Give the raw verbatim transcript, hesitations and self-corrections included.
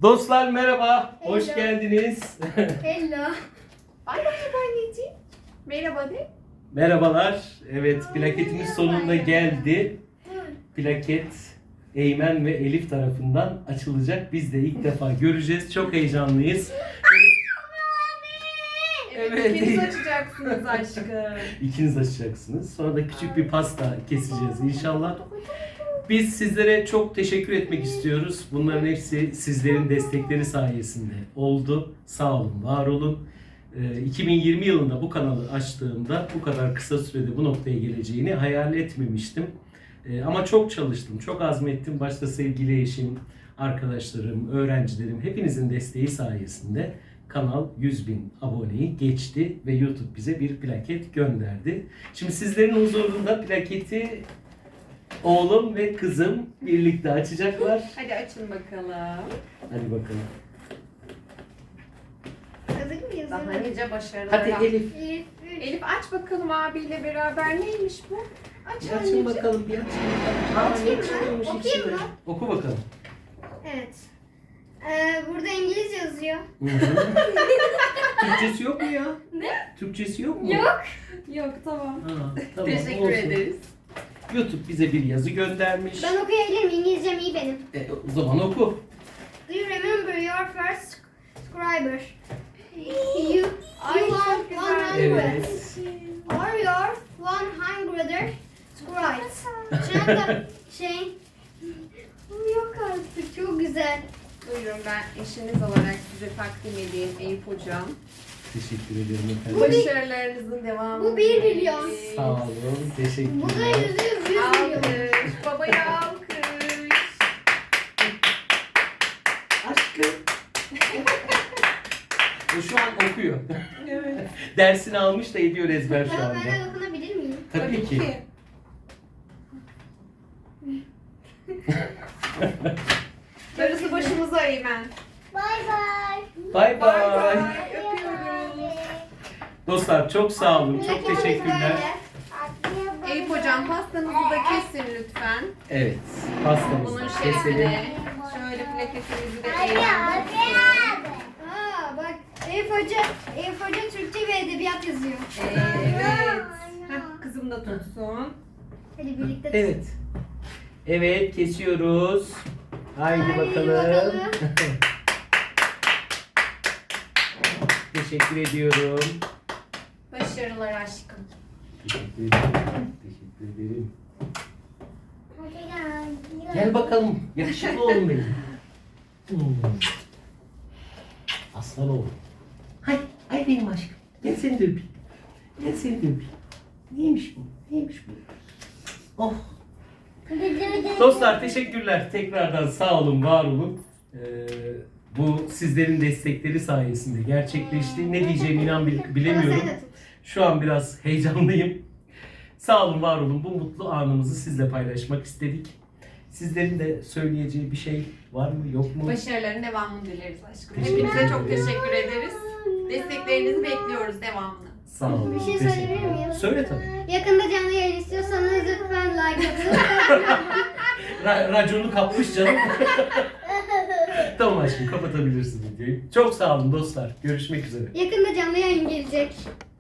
Dostlar merhaba, hoş Hello. geldiniz. Hello. Bay bay anneciğim. Merhaba de. Merhabalar, evet plaketimiz sonunda geldi. Plaket Eymen ve Elif tarafından açılacak. Biz de ilk defa göreceğiz, çok heyecanlıyız. Evet, Evet. ikiniz açacaksınız aşkım. İkiniz açacaksınız. Sonra da küçük bir pasta keseceğiz inşallah. Biz sizlere çok teşekkür etmek istiyoruz. Bunların hepsi sizlerin destekleri sayesinde oldu. Sağ olun, var olun. Ee, iki bin yirmi yılında bu kanalı açtığımda bu kadar kısa sürede bu noktaya geleceğini hayal etmemiştim. Ee, ama çok çalıştım, çok azmettim. Başta sevgili eşim, arkadaşlarım, öğrencilerim hepinizin desteği sayesinde kanal yüz bin aboneyi geçti ve YouTube bize bir plaket gönderdi. Şimdi sizlerin huzurunda plaketi oğlum ve kızım birlikte açacaklar. Hadi açın bakalım. Hadi bakalım. Hazır mıyız? Daha nice başarılar. Hadi Elif. Elif. Elif aç bakalım abiyle beraber neymiş bu? Aç Bir açın anneciğim. bakalım, bir açın bakalım. Açayım ne mı? çıkıyormuş Okuyayım içinde? mı? Oku bakalım. Evet. Ee, burada İngilizce yazıyor. Hı hı. Türkçesi yok mu ya? Ne? Türkçesi yok mu? Yok. Yok tamam. Ha, tamam, Teşekkür olsun. ederiz. YouTube bize bir yazı göndermiş. Ben okuyabilirim. İngilizcem iyi benim. E, o zaman oku. Do you remember your first subscriber? You, Ay, you are çok güzel. one hundred. Evet. Or your one hundred subscribers. Çanta şey. Yok artık. Çok güzel. Buyurun ben eşiniz olarak size takdim edeyim Eyüp hocam. Teşekkür ederim efendim. Bu bir- Başarılarınızın devamı. bu bir milyon. Sağ olun, Bu da teşekkürler. yüzde yüz yüz milyon. Alkış. Babaya alkış. Aşkım. O şu an okuyor. Evet. Dersini almış da ediyor ezber şu Tamam, anda. ben de dokunabilir miyim? Tabii ki. Darısı başımıza Eymen. Bay bay. Bay Bay bay. bay. Öpüyoruz. Dostlar çok sağ olun, çok teşekkürler. Eyüp hocam pastanızı da kesin lütfen. Evet, Bunun pastamızı keselim. şerefine. Şöyle plaketimizi de eğelim. Aa bak Elif Hoca, Elif Hoca Türkçe ve Edebiyat yazıyor. Evet. Heh, kızım da tutsun. Hadi birlikte Evet. Evet, kesiyoruz. Haydi Haydi bakalım. bakalım. Teşekkür ediyorum. Başarılar aşkım. Teşekkür ederim. Teşekkür ederim. Gel bakalım. Yakışıklı oğlum benim. Hmm. Aslan oğlum. Hay, ay benim aşkım. Gel seni de öpeyim. Gel seni de öpeyim. Neymiş bu? Neymiş bu? Oh. Dostlar teşekkürler. Tekrardan sağ olun, var olun. Ee, bu sizlerin destekleri sayesinde gerçekleşti. Ne diyeceğimi inan bil- bilemiyorum. Sen de tut. Şu an biraz heyecanlıyım. Sağ olun, var olun. Bu mutlu anımızı sizle paylaşmak istedik. Sizlerin de söyleyeceği bir şey var mı, yok mu? Başarıların devamını dileriz aşkım. Teşekkür Hepinize çok ederim. teşekkür ederiz. Desteklerinizi bekliyoruz devamını. Sağ olun. Bir şey teşekkür söyleyebilir ederim. miyim? Söyle tabii. Yakında canlı yayın istiyorsanız lütfen like atın. Ra- raconu kapmış canım. Tamam aşkım, kapatabilirsin videoyu. Çok sağ olun dostlar. Görüşmek üzere. Yakında canlı yayın gelecek.